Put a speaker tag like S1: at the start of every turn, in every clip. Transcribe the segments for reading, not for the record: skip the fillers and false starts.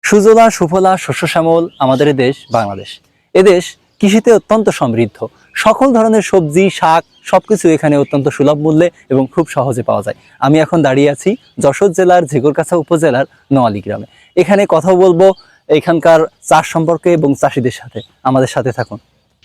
S1: সুজলা সুফলা শস্য শ্যামল আমাদের দেশ বাংলাদেশ। এদেশ কৃষিতে অত্যন্ত সমৃদ্ধ। সকল ধরনের সবজি, শাক সবকিছু এখানে অত্যন্ত সুলভ মূল্যে এবং খুব সহজে পাওয়া যায়। আমি এখন দাঁড়িয়ে আছি যশোর জেলার ঝিকরগাছা উপজেলার নোয়ালী গ্রামে। এখানে কথা বলবো এখানকার চাষ সম্পর্কে এবং চাষিদের সাথে। আমাদের সাথে থাকুন।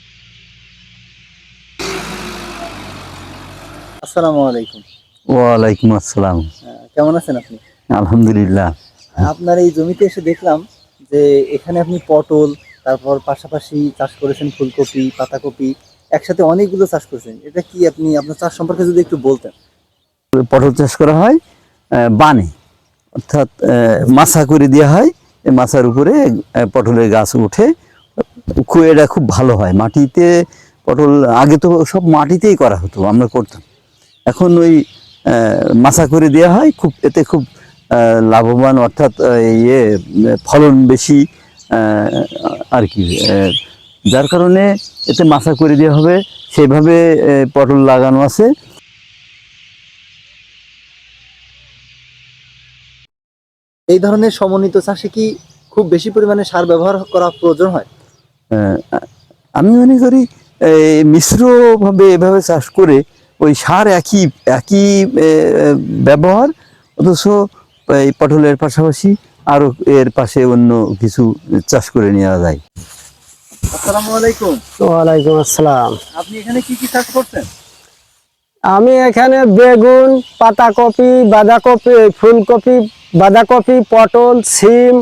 S1: আসসালামু আলাইকুম।
S2: ওয়ালাইকুম আসসালাম।
S1: কেমন আছেন আপনি?
S2: আলহামদুলিল্লাহ।
S1: আপনার এই জমিতে এসে দেখলাম যে এখানে আপনি পটল, তারপর পাশাপাশি চাষ করেছেন ফুলকপি, পাতাকপি, একসাথে অনেকগুলো চাষ করেছেন। এটা কি আপনি আপনার চাষ সম্পর্কে যদি একটু বলতেন?
S2: পটল চাষ করা হয় বানে, অর্থাৎ মাছা করে দেওয়া হয়। এই মাছার উপরে পটলের গাছ উঠে, এটা খুব ভালো হয়। মাটিতে পটল আগে তো সব মাটিতেই করা হতো, আমরা করতাম। এখন ওই মাছা করে দেওয়া হয়, এতে খুব লাভবান, অর্থাৎ ফলন বেশি আর কি। যার কারণে এতে মাছা করে দেওয়া হবে, সেভাবে পটল লাগানো আছে।
S1: এই ধরনের সমন্বিত চাষে কি খুব বেশি পরিমাণে সার ব্যবহার করা প্রয়োজন হয়?
S2: আমি মনে করি মিশ্রভাবে এভাবে চাষ করে ওই সার একই একই ব্যবহার, অথচ এই পটলের পাশাপাশি আরো এর পাশে অন্য কিছু চাষ করে নেওয়া যায়।
S1: আসসালামু আলাইকুম।
S3: ওয়ালাইকুম আসসালাম।
S1: আপনি এখানে কি কি চাষ করছেন?
S3: আমি এখানে বেগুন, পাতাকপি, বাঁধাকপি, ফুলকপি, বাঁধাকপি, পটল, সিম,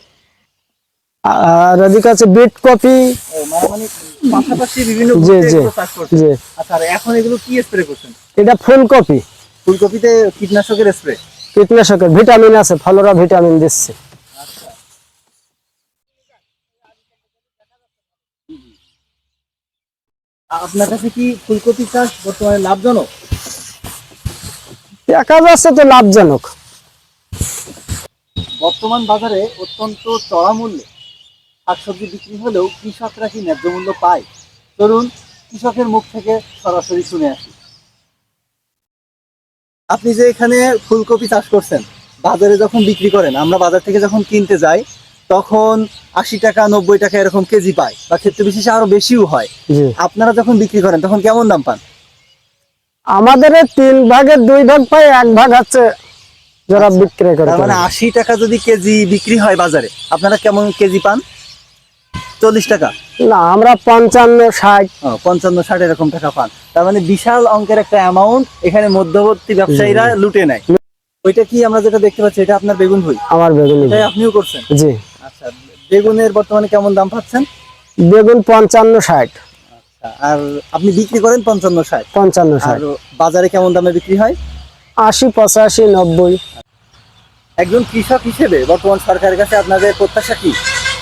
S3: আর এদিকে আছে বিট কপি।
S1: মানে পাশাপাশি বিভিন্ন
S3: জি, জি,
S1: চাষ করছেন।
S3: জি।
S1: আচ্ছা, আর এখন এগুলো কি স্প্রে করছেন?
S3: এটা ফুলকপি।
S1: ফুলকপিতে কীটনাশকের স্প্রে?
S3: কীটনাশকের ভিটামিন আছে, ফলরা ভিটামিন দিচ্ছে।
S1: আপনার কাছে কি ফুলকপি চাষ বর্তমানে লাভজনক?
S3: দেখা যাচ্ছে তো লাভজনক।
S1: বর্তমান বাজারে অত্যন্ত চড়া মূল্যে শাকসবজি বিক্রি হলেও কৃষকরা কি ন্যায্য মূল্য পায়? চলুন কৃষকের মুখ থেকে সরাসরি শুনে আসি। আপনি যে এখানে ফুলকপি চাষ করছেন, বাজারে যখন বিক্রি করেন, আমরা বাজার থেকে যখন কিনতে যাই তখন 80 টাকা 90 টাকা এরকম কেজি পায়, বা ক্ষেত্র বিশেষে আরো বেশিও হয়। আপনারা যখন বিক্রি করেন তখন কেমন দাম পান?
S3: আমাদের 3 ভাগের 2 ভাগ পাই, 1 ভাগ হচ্ছে যারা বিক্রি করে।
S1: তার মানে 80 টাকা যদি কেজি বিক্রি হয় বাজারে, আপনারা কেমন কেজি পান? 40 টাকা?
S3: না, আমরা 55, 60।
S1: 55, 60 এরকম টাকা পান। তার মানে বিশাল অঙ্কের একটা অ্যামাউন্ট এখানে মধ্যবর্তী ব্যবসায়ীরা লুটে নেয়। ওইটা কি আমরা যেটা দেখতে পাচ্ছি, এটা আপনার বেগুন ভুঁই?
S3: আমার বেগুন।
S1: এটাই আপনিও করছেন?
S3: জি।
S1: আচ্ছা, বেগুনের বর্তমানে কেমন দাম পাচ্ছেন?
S3: বেগুন 55, 60।
S1: আচ্ছা, আর আপনি বিক্রি করেন 55, 60?
S3: 55,
S1: আর
S3: 60।
S1: বাজারে কেমন দামে বিক্রি হয়?
S3: 80, 85, 90।
S1: একজন কৃষক হিসেবে বর্তমান সরকারের কাছে আপনাদের প্রত্যাশা কি?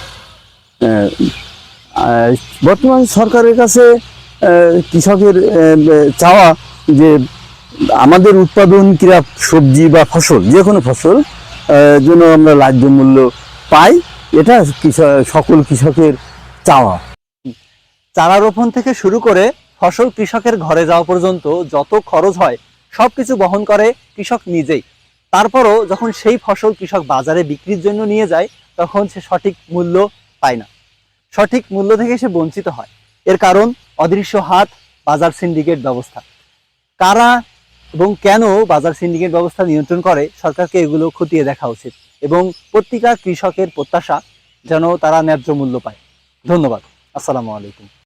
S2: বর্তমান সরকারের কাছে কৃষকের চাওয়া যে আমাদের উৎপাদনকৃত সবজি বা ফসল, যে কোনো ফসল জন্য আমরা ন্যায্য মূল্য পাই, এটা সকল কৃষকের চাওয়া।
S1: চারা রোপণ থেকে শুরু করে ফসল কৃষকের ঘরে যাওয়া পর্যন্ত যত খরচ হয় সবকিছু বহন করে কৃষক নিজেই। তারপরও যখন সেই ফসল কৃষক বাজারে বিক্রির জন্য নিয়ে যায়, তখন সে সঠিক মূল্য পায় না, সঠিক মূল্য থেকে সে বঞ্চিত হয়। এর কারণ অদৃশ্য হাত, বাজার সিন্ডিকেট ব্যবস্থা। কারা এবং কেন বাজার সিন্ডিকেট ব্যবস্থা নিয়ন্ত্রণ করে, সরকারকে এগুলো খতিয়ে দেখা উচিত এবং প্রত্যেকটা কৃষকের প্রত্যাশা যেন তারা ন্যায্য মূল্য পায়। ধন্যবাদ। আসসালামু আলাইকুম।